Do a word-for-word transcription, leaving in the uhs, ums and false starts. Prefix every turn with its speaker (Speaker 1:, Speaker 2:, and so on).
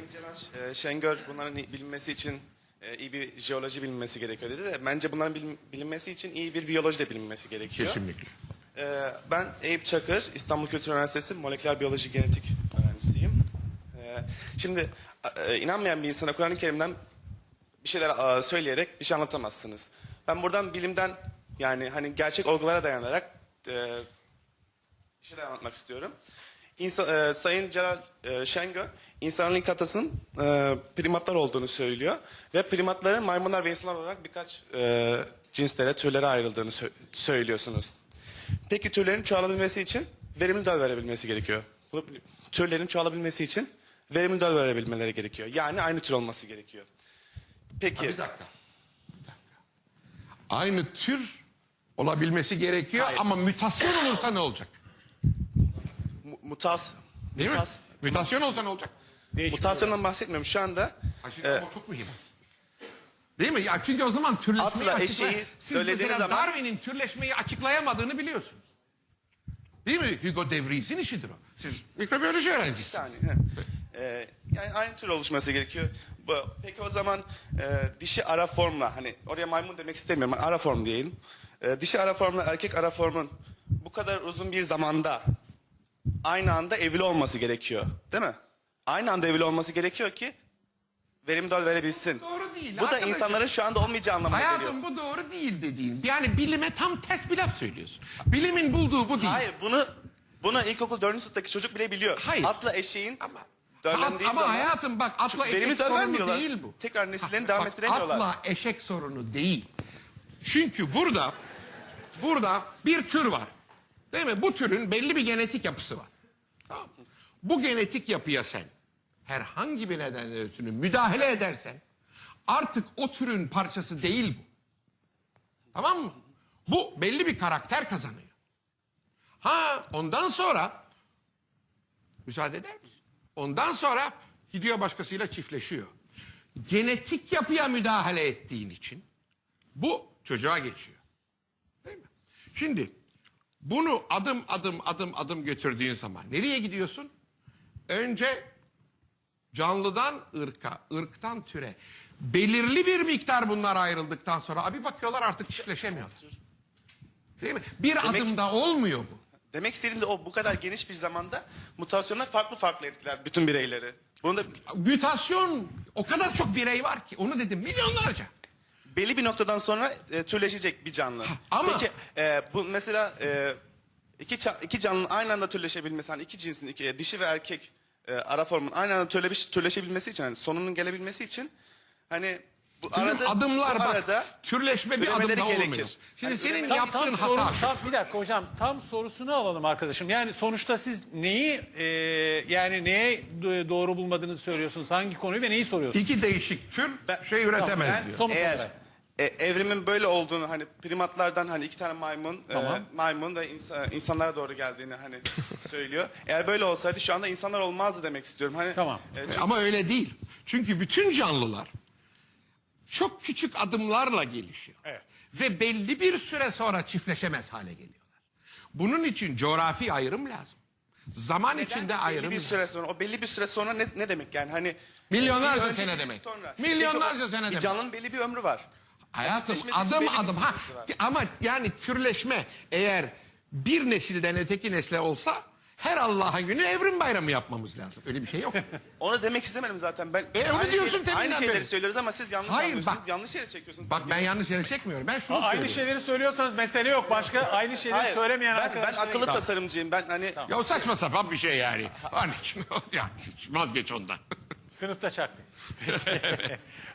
Speaker 1: Sayın Celal e, Şengör bunların bilinmesi için e, iyi bir jeoloji bilinmesi gerekiyor dedi de bence bunların bilin- bilinmesi için iyi bir biyoloji de bilinmesi gerekiyor.
Speaker 2: Kesinlikle.
Speaker 1: E, ben Eyüp Çakır, İstanbul Kültür Üniversitesi Moleküler Biyoloji Genetik öğrencisiyim. E, şimdi e, inanmayan bir insana Kur'an-ı Kerim'den bir şeyler e, söyleyerek bir şey anlatamazsınız. Ben buradan bilimden yani hani gerçek olgulara dayanarak e, bir şeyler anlatmak istiyorum. İnsan, e, Sayın Celal e, Şengör, insanın ilk atasının e, primatlar olduğunu söylüyor. Ve primatların maymunlar ve insanlar olarak birkaç e, cinslere, türlere ayrıldığını sö- söylüyorsunuz. Peki türlerin çoğalabilmesi için verimli döl verebilmesi gerekiyor. Bu, türlerin çoğalabilmesi için verimli döl verebilmeleri gerekiyor. Yani aynı tür olması gerekiyor. Peki.
Speaker 2: Ha, bir dakika. Bir dakika. Aynı tür olabilmesi gerekiyor.
Speaker 1: Hayır.
Speaker 2: Ama mütasyon olursa ne olacak?
Speaker 1: mu- mutas,
Speaker 2: Değil
Speaker 1: mutas,
Speaker 2: mi? Mütasyon olsa ne olacak?
Speaker 1: mutasyondan bahsetmiyorum. Şu anda
Speaker 2: Ha, şimdi
Speaker 1: e,
Speaker 2: ama çok mühim. Değil mi? Ya çünkü o zaman türleşmeyi
Speaker 1: Atla
Speaker 2: açıklay...
Speaker 1: eşeği
Speaker 2: Siz
Speaker 1: söylediğiniz
Speaker 2: mesela
Speaker 1: zaman-
Speaker 2: Darwin'in türleşmeyi açıklayamadığını biliyorsunuz. Değil mi? Hugo de Vries'in işidir o. Siz mikrobiyoloji öğrencisiniz.
Speaker 1: yani, he. E, yani aynı tür oluşması gerekiyor. Bu, peki o zaman e, dişi ara formla hani oraya maymun demek istemiyorum. Ara form diyelim. E, dişi ara formla erkek ara formun bu kadar uzun bir zamanda aynı anda evli olması gerekiyor. Değil mi? Aynı anda evli olması gerekiyor ki verimli döl verebilsin.
Speaker 2: Doğru değil
Speaker 1: Bu da
Speaker 2: arkadaşlar.
Speaker 1: insanların şu anda olmayacağı anlamına geliyor.
Speaker 2: Hayatım bu doğru değil dediğin. Yani bilime tam ters bir laf söylüyorsun. Bilimin bulduğu bu değil.
Speaker 1: Hayır bunu bunu ilkokul dördüncü sınıftaki çocuk bile biliyor.
Speaker 2: Hayır.
Speaker 1: Atla eşeğin
Speaker 2: Ama,
Speaker 1: döllendiği
Speaker 2: ama
Speaker 1: zaman
Speaker 2: hayatım bak atla
Speaker 1: verimli
Speaker 2: eşek
Speaker 1: döl
Speaker 2: sorunu
Speaker 1: vermiyorlar.
Speaker 2: değil bu.
Speaker 1: Tekrar nesillerini
Speaker 2: Ha,
Speaker 1: devam
Speaker 2: bak,
Speaker 1: ettiremiyorlar.
Speaker 2: Atla eşek sorunu değil. Çünkü burada burada bir tür var. Değil mi? Bu türün belli bir genetik yapısı var. Tamam mı? Bu genetik yapıya sen herhangi bir nedenle ötürü müdahale edersen artık o türün parçası değil bu. Tamam mı? Bu belli bir karakter kazanıyor. Ha ondan sonra müsaade eder misin? Ondan sonra gidiyor başkasıyla çiftleşiyor. Genetik yapıya müdahale ettiğin için bu çocuğa geçiyor. Değil mi? Şimdi bunu adım adım adım adım götürdüğün zaman nereye gidiyorsun? Önce canlıdan ırka, ırktan türe. Belirli bir miktar bunlar ayrıldıktan sonra abi bakıyorlar artık çiftleşemiyorlar. Değil mi? Bir
Speaker 1: Demek-
Speaker 2: adımda olmuyor bu.
Speaker 1: Demek istediğim de o bu kadar geniş bir zamanda mutasyonlar farklı farklı etkiler bütün bireyleri. Bunu da
Speaker 2: Mütasyon o kadar çok birey var ki onu dedim milyonlarca.
Speaker 1: belli bir noktadan sonra e, türleşecek bir canlı.
Speaker 2: ama-
Speaker 1: Peki e, bu mesela e, iki, ça- iki canlının aynı anda türleşebilmesi, hani iki cinsin, iki, e, dişi ve erkek e, ara formun aynı anda türleş, türleşebilmesi için, hani sonunun gelebilmesi için hani bu
Speaker 2: Bizim
Speaker 1: arada,
Speaker 2: adımlar
Speaker 1: bu
Speaker 2: bak
Speaker 1: arada
Speaker 2: türleşme bir
Speaker 1: üremeleri
Speaker 2: adımda
Speaker 1: gerekir.
Speaker 2: olmuyor. Şimdi
Speaker 1: Yani
Speaker 2: senin
Speaker 1: üremeleri
Speaker 2: yaptığın
Speaker 1: için
Speaker 2: hata
Speaker 3: Soru,
Speaker 2: şu.
Speaker 3: tam, bir dakika hocam tam sorusunu alalım arkadaşım. Yani sonuçta siz neyi e, yani neye do- doğru bulmadığınızı söylüyorsunuz? Hangi konuyu ve neyi soruyorsunuz?
Speaker 2: İki değişik tür
Speaker 1: Ben-
Speaker 2: şey üretemez
Speaker 1: Ben
Speaker 2: diyor.
Speaker 3: Somut
Speaker 1: eğer
Speaker 3: olarak.
Speaker 1: e, evrimin böyle olduğunu hani primatlardan hani iki tane maymun
Speaker 3: Tamam.
Speaker 1: e, maymun da insa- insanlara doğru geldiğini hani söylüyor. Eğer böyle olsaydı şu anda insanlar olmazdı demek istiyorum. Hani
Speaker 3: Tamam.
Speaker 1: e, çünkü-
Speaker 2: Ama öyle değil. Çünkü bütün canlılar çok küçük adımlarla gelişiyor.
Speaker 3: Evet.
Speaker 2: Ve belli bir süre sonra çiftleşemez hale geliyorlar. Bunun için coğrafi ayrım lazım. Zaman içinde
Speaker 1: belli
Speaker 2: ayrım
Speaker 1: bir
Speaker 2: lazım.
Speaker 1: süre sonra o belli bir süre sonra ne, ne demek yani hani
Speaker 2: Milyonlarca
Speaker 1: bir önce,
Speaker 2: sene
Speaker 1: bir
Speaker 2: demek.
Speaker 1: sonra.
Speaker 2: Milyonlarca
Speaker 1: Peki o-
Speaker 2: sene
Speaker 1: bir
Speaker 2: demek.
Speaker 1: canlının belli bir ömrü var.
Speaker 2: Hayatım
Speaker 1: Çiftleşmesi için
Speaker 2: adım
Speaker 1: belli bir
Speaker 2: adım ha
Speaker 1: süresi var.
Speaker 2: ama yani türleşme eğer bir nesilden öteki nesle olsa her Allah'ın günü evrim bayramı yapmamız lazım. Öyle bir şey yok.
Speaker 1: Onu demek istemedim zaten. Ben
Speaker 2: E, onu
Speaker 1: aynı,
Speaker 2: diyorsun
Speaker 1: şeyleri, aynı
Speaker 2: teminden
Speaker 1: şeyleri
Speaker 2: beri.
Speaker 1: söylüyoruz ama siz yanlış
Speaker 2: Hayır,
Speaker 1: anlıyorsunuz.
Speaker 2: bak.
Speaker 1: Yanlış yere çekiyorsunuz.
Speaker 2: Bak ben yanlış yere çekmiyorum. Ben şunu
Speaker 3: Aynı
Speaker 2: söylüyorum.
Speaker 3: şeyleri söylüyorsanız mesele yok. Başka aynı şeyleri
Speaker 1: Hayır,
Speaker 3: söylemeyen
Speaker 1: ben, ben
Speaker 3: arkadaşlar.
Speaker 1: akıllı tasarımcıyım. Ben hani
Speaker 2: Ya o saçma sapan bir şey yani. Onun için ya, vazgeç ondan.
Speaker 3: Sınıfta çaktım.